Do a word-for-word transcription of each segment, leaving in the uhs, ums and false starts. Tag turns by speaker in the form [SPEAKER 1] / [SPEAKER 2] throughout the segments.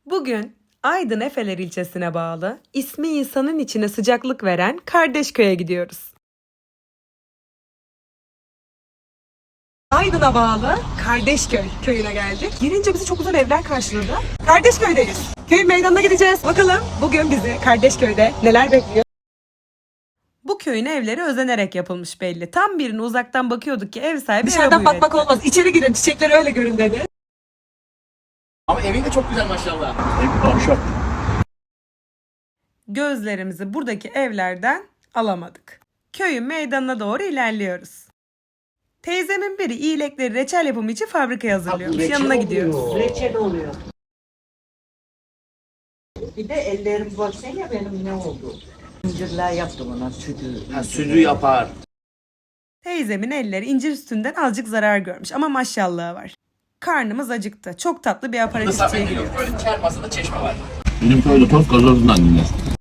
[SPEAKER 1] Bugün Aydın Efeler ilçesine bağlı, ismi insanın içine sıcaklık veren Kardeşköy'e gidiyoruz. Aydın'a bağlı Kardeşköy köyüne geldik. Girince bizi çok güzel evler karşıladı. Kardeşköy'deyiz. Köyün meydanına gideceğiz. Bakalım bugün bizi Kardeşköy'de neler bekliyor? Bu köyün evleri özenerek yapılmış belli. Tam birini uzaktan bakıyorduk ki ev sahibi
[SPEAKER 2] Dışarıdan
[SPEAKER 1] ev
[SPEAKER 2] bakmak olmaz. İçeri girin, çiçekleri öyle görün dedi.
[SPEAKER 3] Ama evin de çok güzel maşallah.
[SPEAKER 1] Gözlerimizi buradaki evlerden alamadık. Köyün meydanına doğru ilerliyoruz. Teyzemin biri iyilekleri reçel yapımı için fabrikaya hazırlıyormuş.
[SPEAKER 3] reçel
[SPEAKER 1] Yanına
[SPEAKER 3] oluyor.
[SPEAKER 1] gidiyoruz.
[SPEAKER 4] Reçel oluyor. Bir de ellerim baksana benim ne oldu. Zincirler yaptım ona sütü.
[SPEAKER 3] Ha, sütü yapar.
[SPEAKER 1] Teyzemin elleri incir sütünden azıcık zarar görmüş ama maşallahı var. Karnımız acıktı. Çok tatlı bir aparatifçiye gidiyoruz.
[SPEAKER 3] Böyle çer masada çeşme var.
[SPEAKER 5] Benim köyde toz gazozundan dinler.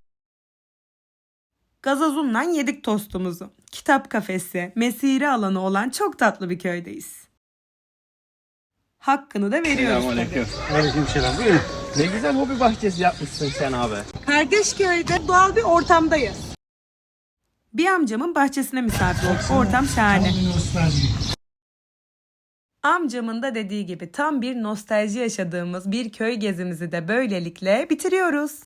[SPEAKER 1] Gazozundan yedik tostumuzu. Kitap kafesi, mesire alanı olan çok tatlı bir köydeyiz. Hakkını da veriyoruz tabii.
[SPEAKER 3] Aleykümselam. Buyurun. Ne güzel hobi bahçesi yapmışsın sen abi.
[SPEAKER 1] Kardeşköy'de doğal bir ortamdayız. Bir amcamın bahçesine misafir olduk. Ortam şahane. Amcamın da dediği gibi tam bir nostalji yaşadığımız bir köy gezimizi de böylelikle bitiriyoruz.